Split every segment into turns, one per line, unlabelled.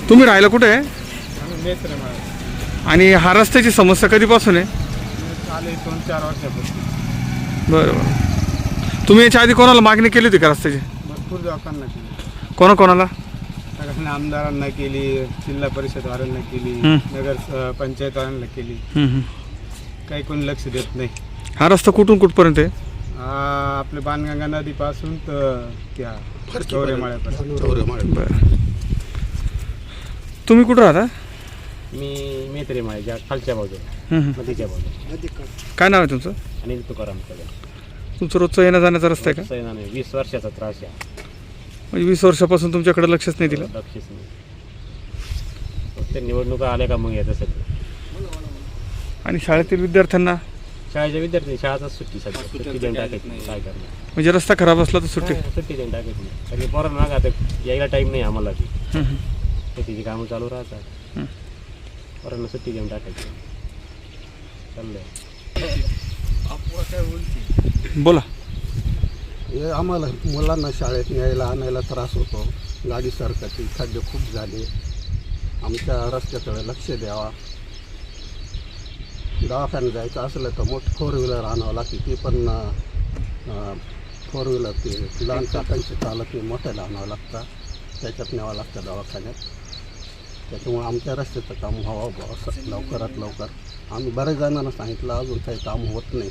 तुम्ही राहायला कुठे आहे?
आम्ही मेत्र माळ
आणि हा रस्त्याची समस्या कधीपासून आहे?
आले 2-4 वर्षापासून.
बरं. तुम्ही याच्या आधी कोणाला मागणी केली होती का रस्त्याची?
भरपूर लोकांना केली,
कोणाकोणाला?
सगळ्यांना आमदारांना केली, जिल्हा परिषदवाल्यांना केली, नगर पंचायतवाल्यांना केली. काही कोणी लक्ष देत नाही.
हा रस्ता कुठून कुठपर्यंत आहे?
आपले बाणगंगा नदीपासून तर त्या चौरेमाळ्यापर्यंत.
बरं. तुम्ही कुठं राहता?
मी मेत्रे माळ्याच्या खालच्या बाजूला, नदीच्या बाजूला.
काय नाव आहे तुमचं?
अनिल तुकाराम कदम.
तुमचं रोजचं येण्या जाण्याचा रस्ता आहे का?
नाही, 20 वर्षाचा त्रास आहे.
म्हणजे 20 वर्षापासून तुमच्याकडे लक्षच नाही दिलं?
लक्षच नाही. फक्त निवडणुका आल्या का मग येतं सगळं.
आणि शाळेतील विद्यार्थ्यांना?
शाळेच्या विद्यार्थी शाळाच सुट्टी सध्या, सुट्टी देऊन टाकायची नाही. काय करणार?
म्हणजे रस्ता खराब असला तर सुट्टी?
सुट्टी देऊन टाकायची नाही. कारण पोरांना ना आता यायला टाईम नाही आम्हाला ती शेतीची कामं चालू राहतात. पोरांना सुट्टी देऊन टाकायची. चाललंय.
बोला.
हे आम्हाला मुलांना शाळेत न्यायला आणायला त्रास होतो. गाडी सरकाची, खड्डे खूप झाले. आमच्या रस्त्याकडे लक्ष द्यावा. दवाखान्यात जायचं असलं तर मोठी 4 व्हीलर आणावं लागते. ती पण 4 व्हीलर ते लहान चाकांची चालत नाही, मोठ्याला आणावं लागतं. त्याच्यात न्यावं लागतं दवाखान्यात. त्याच्यामुळे आमच्या रस्त्याचं काम व्हावं असं लवकरात लवकर. आम्ही बऱ्याच जणांना सांगितलं, अजून काही काम होत नाही.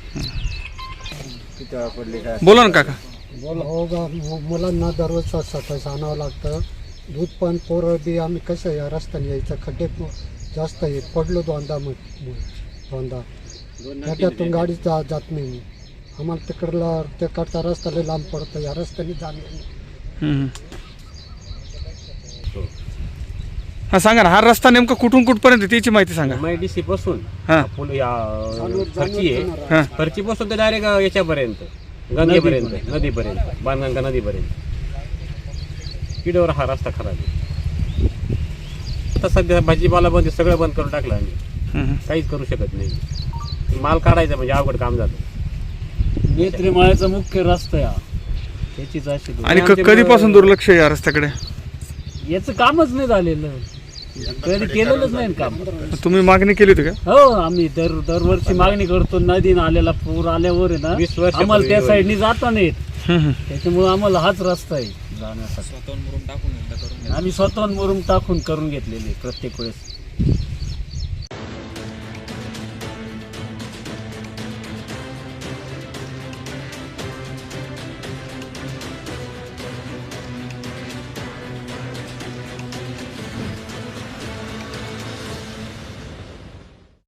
बोला ना काका.
हो गा, मुलांना दररोज सकाळी आणावं लागतं. दूध पण पोरं बी आम्ही कसं या रस्त्याने यायचं, खड्डे जास्त आहे. पडलो दोनदा खड्ड्यातून गाडी जात नाही. आम्हाला तिकडचा रस्ता लय लांब पडतो, या रस्त्याने जाणे.
हा सांगा ना, हा रस्ता नेमका कुठून कुठपर्यंत त्याची माहिती सांगा.
MIDC पासून
हां
फरची आहे, फरची पासून तर डायरेक्ट याच्यापर्यंत गंगेपर्यंत, नदीपर्यंत, बाणगंगा नदीपर्यंत. किडोवर हा रस्ता खराब आहे. आता सध्या भाजीपाला बंद, सगळं बंद करून टाकलं आम्ही. काहीच करू शकत नाही. माल काढायचा म्हणजे अवघड काम झालं.
मेत्रे माळ्याचा मुख्य रस्ता आहे त्याचीच अशी.
आणि कधीपासून दुर्लक्ष आहे या रस्त्याकडे?
याचं कामच नाही झालेलं, कधी केलेलंच नाही काम.
तुम्ही मागणी केली होती का?
हो, आम्ही दरवर्षी मागणी करतो. नदीनं आलेला पूर आल्यावर आहे ना,
20 वर्ष
आम्हाला त्या साईडनी जाता नाहीत. त्याच्यामुळे आम्हाला हाच रस्ता आहे जाण्यासाठी. आम्ही स्वतःहून मुरुम टाकून करून घेतलेले प्रत्येक वेळेस.